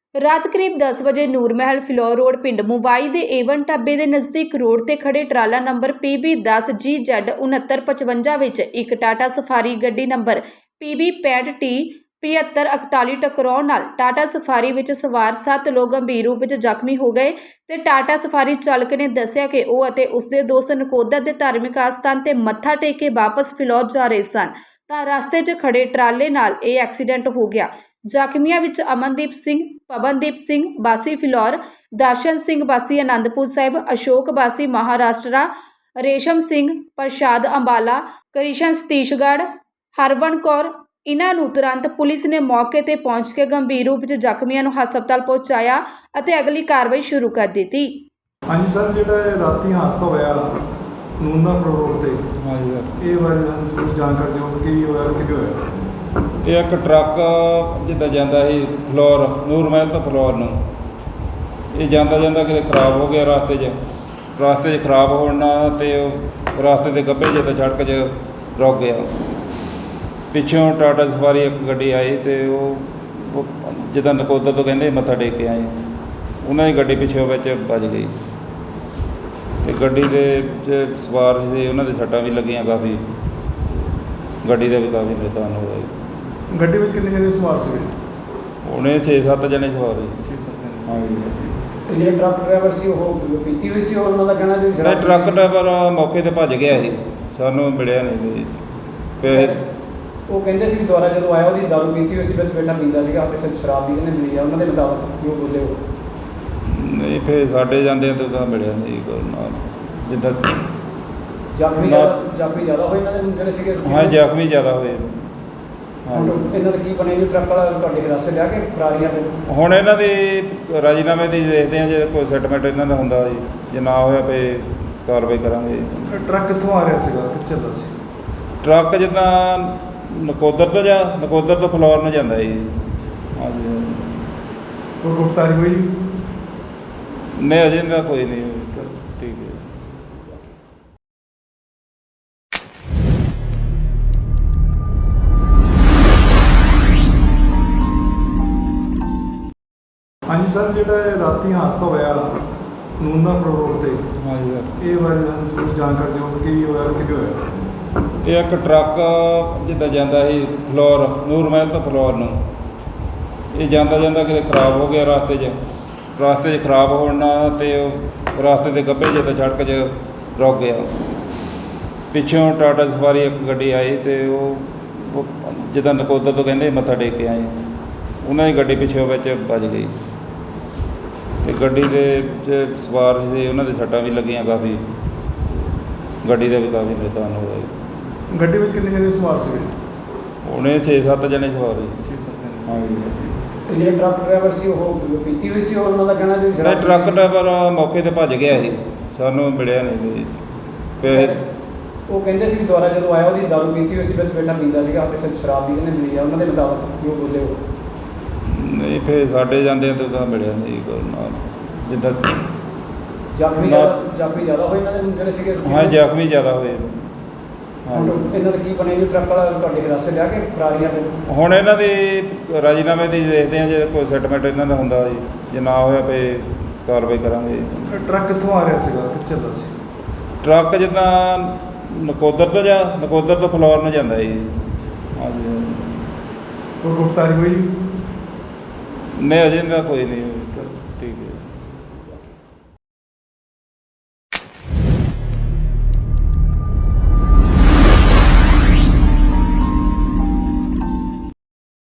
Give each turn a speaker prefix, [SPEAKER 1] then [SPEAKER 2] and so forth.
[SPEAKER 1] ਰਾਤ ਕਰੀਬ 10 ਵਜੇ ਨੂਰ ਮਹਿਲ ਫਿਲੌਰ ਰੋਡ ਪਿੰਡ ਮੁਵਾਈ ਦੇ ਏਵਨ ਢਾਬੇ ਦੇ ਨਜ਼ਦੀਕ ਰੋਡ ਤੇ ਖੜੇ ਟਰਾਲਾ ਨੰਬਰ PB10GZ 6955 ਵਿੱਚ ਇੱਕ ਟਾਟਾ ਸਫਾਰੀ ਗੱਡੀ ਨੰਬਰ PB65T 7541 ਟਕਰਾਉਣ ਨਾਲ ਟਾਟਾ ਸਫਾਰੀ ਵਿੱਚ ਸਵਾਰ 7 ਲੋਕ ਗੰਭੀਰ ਰੂਪ ਵਿੱਚ ਜ਼ਖਮੀ ਹੋ ਗਏ ਤੇ ਟਾਟਾ ਸਫਾਰੀ ਚਾਲਕ ਨੇ ਦੱਸਿਆ ਕਿ ਉਹ ਅਤੇ ਉਸਦੇ ਦੋਸਤ ਨਕੋਦਰ ਦੇ ਧਾਰਮਿਕ ਆਸਥਾਨ ਤੇ ਮੱਥਾ ਟੇਕ ਕੇ ਵਾਪਸ ਫਿਲੌਰ ਜਾ ਰਹੇ ਸਨ ਤਾਂ ਰਸਤੇ 'ਚ ਖੜੇ ਟਰਾਲੇ ਨਾਲ ਇਹ ਐਕਸੀਡੈਂਟ ਹੋ ਗਿਆ। ਜ਼ਖਮੀਆਂ ਵਿੱਚ ਅਮਨਦੀਪ ਸਿੰਘ, ਪਵਨਦੀਪ ਸਿੰਘ ਵਾਸੀ ਫਿਲੌਰ, ਦਰਸ਼ਨ ਸਿੰਘ ਵਾਸੀ ਆਨੰਦਪੁਰ ਸਾਹਿਬ, ਅਸ਼ੋਕ ਵਾਸੀ ਮਹਾਰਾਸ਼ਟਰਾ, ਰੇਸ਼ਮ ਸਿੰਘ, ਪ੍ਰਸ਼ਾਦ ਅੰਬਾਲਾ, ਕ੍ਰਿਸ਼ਨ ਸਤੀਸ਼ਗੜ੍ਹ, ਹਰਵਨ ਕੌਰ। ਇਹਨਾਂ ਨੂੰ ਤੁਰੰਤ ਪੁਲਿਸ ਨੇ ਮੌਕੇ ਤੇ ਪਹੁੰਚ ਕੇ ਗੰਭੀਰ ਰੂਪ ਵਿੱਚ ਜ਼ਖਮੀਆਂ ਨੂੰ ਹਸਪਤਾਲ ਪਹੁੰਚਾਇਆ ਅਤੇ ਅਗਲੀ ਕਾਰਵਾਈ ਸ਼ੁਰੂ ਕਰ ਦਿੱਤੀ।
[SPEAKER 2] ਹਾਂਜੀ ਸਰ, ਜਿਹੜਾ ਇਹ ਰਾਤੀ ਹਾਦਸਾ ਹੋਇਆ ਨੂਰਮਹਿਲ ਰੋਡ ਤੇ,
[SPEAKER 3] ਹਾਂਜੀ ਸਰ,
[SPEAKER 2] ਇਹ ਬਾਰੇ ਸਾਨੂੰ ਥੋੜੀ ਜਾਣਕਾਰੀ ਦਿਓ ਕਿ ਕੀ ਹੋਇਆ ਤੇ ਕਿਵੇਂ ਹੋਇਆ।
[SPEAKER 3] ਇਹ ਇੱਕ ਟਰੱਕ ਜਿੱਦਾਂ ਜਾਂਦਾ ਸੀ ਫਲੋਰ ਨੂਰ ਮਹਿਲ ਤੋਂ ਫਲੋਰ ਨੂੰ, ਇਹ ਜਾਂਦਾ ਕਿਤੇ ਖਰਾਬ ਹੋ ਗਿਆ ਰਸਤੇ 'ਚ ਖਰਾਬ ਹੋਣ ਨਾਲ ਤੇ ਉਹ ਰਸਤੇ ਦੇ ਗੱਭੇ ਜਿਹੇ 'ਤੇ ਸੜਕ 'ਚ ਰੁਕ ਗਿਆ। ਪਿੱਛੋਂ ਟਾਟਾ ਸਫਾਰੀ ਇੱਕ ਗੱਡੀ ਆਈ ਤੇ ਉਹ ਜਿੱਦਾਂ ਨਕੋਦਰ ਤੋਂ ਕਹਿੰਦੇ ਮੱਥਾ ਟੇਕ ਕੇ ਆਏ, ਉਹਨਾਂ ਦੀ ਗੱਡੀ ਪਿੱਛੋਂ ਵਿੱਚ ਵੱਜ ਗਈ ਤੇ ਗੱਡੀ ਦੇ ਸਵਾਰ ਸੀ ਉਹਨਾਂ ਦੇ ਸੱਟਾਂ ਵੀ ਲੱਗੀਆਂ ਕਾਫੀ, ਗੱਡੀ ਦਾ ਵੀ ਕਾਫੀ ਨੁਕਸਾਨ ਹੋ ਗਿਆ।
[SPEAKER 2] ਗੱਡੀ ਵਿੱਚ ਕਿੰਨੇ ਜਣੇ ਸਵਾਰ ਸੀਗੇ?
[SPEAKER 3] ਉਹਨੇ 6-7 ਜਣੇ ਸਵਾਰ ਸੀ।
[SPEAKER 2] 6-7 ਜਣੇ ਸੀ।
[SPEAKER 3] ਹਾਂਜੀ,
[SPEAKER 4] ਤੇ ਜਿਹੜਾ ਟਰੱਕ ਡਰਾਈਵਰ ਸੀ ਉਹ ਪੀਤੀ ਹੋਈ ਸੀ, ਉਹਨਾਂ ਦਾ ਕਹਿਣਾ ਜੀ
[SPEAKER 3] ਨਹੀਂ ਟਰੱਕ ਡਰਾਈਵਰ ਮੌਕੇ ਤੇ ਭੱਜ ਗਿਆ ਸੀ, ਸਾਨੂੰ ਮਿਲਿਆ ਨਹੀਂ ਜੀ। ਫਿਰ
[SPEAKER 4] ਉਹ ਕਹਿੰਦੇ ਸੀ ਵੀ ਦੁਬਾਰਾ ਜਦੋਂ ਆਇਆ ਉਹਦੀ ਦਾਰੂ ਪੀਤੀ ਹੋਈ ਸੀ, ਵਿੱਚ ਬੈਠਾ ਪੀਂਦਾ ਸੀਗਾ, ਇੱਥੇ ਸ਼ਰਾਬ ਵੀ ਕਹਿੰਦੇ ਮਿਲੀ ਆ ਉਹਨਾਂ ਦੇ ਮੁਤਾਬਕ ਜੋ ਬੋਲੇ ਉਹ।
[SPEAKER 3] ਨਹੀਂ ਫਿਰ ਸਾਡੇ ਜਾਂਦੇ ਤਾਂ ਮਿਲਿਆ ਨਹੀਂ ਕੋਈ ਨਾਲ, ਜਿੱਦਾਂ
[SPEAKER 4] ਜ਼ਖਮੀ ਜ਼ਿਆਦਾ ਹੋਏ ਇਹਨਾਂ ਦੇ ਜਿਹੜੇ ਸੀਗੇ।
[SPEAKER 3] ਹਾਂ ਜ਼ਖਮੀ ਜ਼ਿਆਦਾ ਹੋਏ।
[SPEAKER 4] ਹੁਣ ਇਹਨਾਂ ਦਾ ਕੀ ਬਣਿਆ ਜੀ? ਟਰੱਕ ਵਾਲਾ ਤੁਹਾਡੇ ਹਿਰਾਸਤ ਲਿਆ ਕੇ ਫਰਾਰੀਆਂ ਤੇ
[SPEAKER 3] ਹੁਣ ਇਹਨਾਂ ਦੀ ਰਾਜੀਨਾਮੇ ਦੀ ਦੇਖਦੇ ਹਾਂ, ਜੇ ਕੋਈ ਸੈਟਲਮੈਂਟ ਇਹਨਾਂ ਦਾ ਹੁੰਦਾ ਜੀ, ਜੇ ਨਾ ਹੋਇਆ ਫਿਰ ਕਾਰਵਾਈ ਕਰਾਂਗੇ।
[SPEAKER 2] ਇਹ ਟਰੱਕ ਕਿੱਥੋਂ ਆ ਰਿਹਾ ਸੀਗਾ, ਕਿੱਥੇ ਚੱਲਦਾ ਸੀ?
[SPEAKER 3] ਟਰੱਕ ਜਿੱਦਾਂ ਨਕੋਦਰ ਤੋਂ ਫਲੋਰ ਨੂੰ ਜਾਂਦਾ ਜੀ। ਹਾਂਜੀ,
[SPEAKER 2] ਕੋਈ ਗ੍ਰਿਫਤਾਰੀ ਹੋਈ?
[SPEAKER 3] ਨਹੀਂ ਅਜੇ ਦਾ ਕੋਈ ਨਹੀਂ। ਠੀਕ ਹੈ।
[SPEAKER 2] ਹਾਂਜੀ ਸਰ, ਜਿਹੜਾ ਇਹ ਰਾਤੀ ਹਾਦਸਾ ਹੋਇਆ ਨੂਰਮਹਿਲ ਰੋਡ ਤੇ,
[SPEAKER 3] ਹਾਂਜੀ ਸਰ,
[SPEAKER 2] ਇਹ ਬਾਰੇ ਸਾਨੂੰ ਥੋੜੀ ਜਾਣਕਾਰੀ ਦਿਓ ਕਿ ਕੀ ਹੋਇਆ ਤੇ ਕਿਵੇਂ ਹੋਇਆ।
[SPEAKER 3] ਇਹ ਇੱਕ ਟਰੱਕ ਜਿੱਦਾਂ ਜਾਂਦਾ ਸੀ ਫਲੋਰ ਨੂਰ ਮਹਿਲ ਤੋਂ ਫਲੋਰ ਨੂੰ, ਇਹ ਜਾਂਦਾ ਕਿਤੇ ਖਰਾਬ ਹੋ ਗਿਆ ਰਸਤੇ 'ਚ ਖਰਾਬ ਹੋਣ ਨਾਲ ਤੇ ਉਹ ਰਸਤੇ ਦੇ ਗੱਭੇ ਜਿਹੇ 'ਤੇ ਸੜਕ 'ਚ ਰੁਕ ਗਿਆ। ਪਿੱਛੋਂ ਟਾਟਾ ਸਫਾਰੀ ਇੱਕ ਗੱਡੀ ਆਈ ਤੇ ਉਹ ਜਿੱਦਾਂ ਨਕੋਦਰ ਤੋਂ ਕਹਿੰਦੇ ਮੱਥਾ ਟੇਕ ਕੇ ਆਏ, ਉਹਨਾਂ ਦੀ ਗੱਡੀ ਪਿੱਛੋਂ ਵਿੱਚ ਵੱਜ ਗਈ ਤੇ ਗੱਡੀ ਦੇ ਸਵਾਰ ਸੀ ਉਹਨਾਂ ਦੇ ਸੱਟਾਂ ਵੀ ਲੱਗੀਆਂ ਕਾਫੀ, ਗੱਡੀ ਦਾ ਵੀ ਕਾਫੀ ਨੁਕਸਾਨ ਹੋ ਗਿਆ।
[SPEAKER 2] ਗੱਡੀ ਵਿੱਚ ਕਿੰਨੇ ਜਣੇ ਸਵਾਰ ਸੀਗੇ?
[SPEAKER 3] ਉਹਨੇ 6-7 ਜਣੇ ਸਵਾਰ ਸੀ।
[SPEAKER 2] 6-7 ਜਣੇ ਸੀ।
[SPEAKER 3] ਹਾਂਜੀ,
[SPEAKER 4] ਤੇ ਜਿਹੜਾ ਟਰੱਕ ਡਰਾਈਵਰ ਸੀ ਉਹ ਪੀਤੀ ਹੋਈ ਸੀ, ਉਹਨਾਂ ਦਾ ਕਹਿਣਾ ਜੀ
[SPEAKER 3] ਨਹੀਂ ਟਰੱਕ ਡਰਾਈਵਰ ਮੌਕੇ ਤੇ ਭੱਜ ਗਿਆ ਸੀ, ਸਾਨੂੰ ਮਿਲਿਆ ਨਹੀਂ ਜੀ। ਫਿਰ
[SPEAKER 4] ਉਹ ਕਹਿੰਦੇ ਸੀ ਵੀ ਦੁਬਾਰਾ ਜਦੋਂ ਆਇਆ ਉਹਦੀ ਦਾਰੂ ਪੀਤੀ ਹੋਈ ਸੀ, ਵਿੱਚ ਬੈਠਾ ਪੀਂਦਾ ਸੀਗਾ, ਇੱਥੇ ਸ਼ਰਾਬ ਵੀ ਕਹਿੰਦੇ ਮਿਲੀ ਆ ਉਹਨਾਂ ਦੇ ਮੁਤਾਬਕ ਜੋ ਬੋਲੇ ਉਹ।
[SPEAKER 3] ਨਹੀਂ ਫਿਰ ਸਾਡੇ ਜਾਂਦੇ ਤਾਂ ਮਿਲਿਆ ਨਹੀਂ ਕੋਈ ਨਾਲ, ਜਿੱਦਾਂ
[SPEAKER 4] ਜ਼ਖਮੀ ਜ਼ਿਆਦਾ ਹੋਏ ਇਹਨਾਂ ਦੇ ਜਿਹੜੇ ਸੀਗੇ।
[SPEAKER 3] ਹਾਂ ਜ਼ਖਮੀ ਜ਼ਿਆਦਾ ਹੋਏ।
[SPEAKER 4] ਹੁਣ ਇਹਨਾਂ ਦਾ ਕੀ ਬਣਿਆ ਜੀ? ਟਰੱਕ ਵਾਲਾ ਤੁਹਾਡੇ ਹਿਰਾਸਤ ਲਿਆ ਕੇ ਫਰਾਰੀਆਂ ਤੇ
[SPEAKER 3] ਹੁਣ ਇਹਨਾਂ ਦੀ ਰਾਜੀਨਾਮੇ ਦੀ ਦੇਖਦੇ ਹਾਂ, ਜੇ ਕੋਈ ਸੈਟਲਮੈਂਟ ਇਹਨਾਂ ਦਾ ਹੁੰਦਾ ਜੀ, ਜੇ ਨਾ ਹੋਇਆ ਫਿਰ ਕਾਰਵਾਈ ਕਰਾਂਗੇ।
[SPEAKER 2] ਇਹ ਟਰੱਕ ਕਿੱਥੋਂ ਆ ਰਿਹਾ ਸੀਗਾ, ਕਿੱਥੇ ਚੱਲਦਾ ਸੀ?
[SPEAKER 3] ਟਰੱਕ ਜਿੱਦਾਂ ਨਕੋਦਰ ਤੋਂ ਫਲੋਰ ਨੂੰ ਜਾਂਦਾ ਜੀ। ਹਾਂਜੀ,
[SPEAKER 2] ਕੋਈ ਗ੍ਰਿਫਤਾਰੀ ਹੋਈ?
[SPEAKER 3] ਨਹੀਂ ਅਜੇ ਦਾ ਕੋਈ ਨਹੀਂ। ਠੀਕ ਹੈ।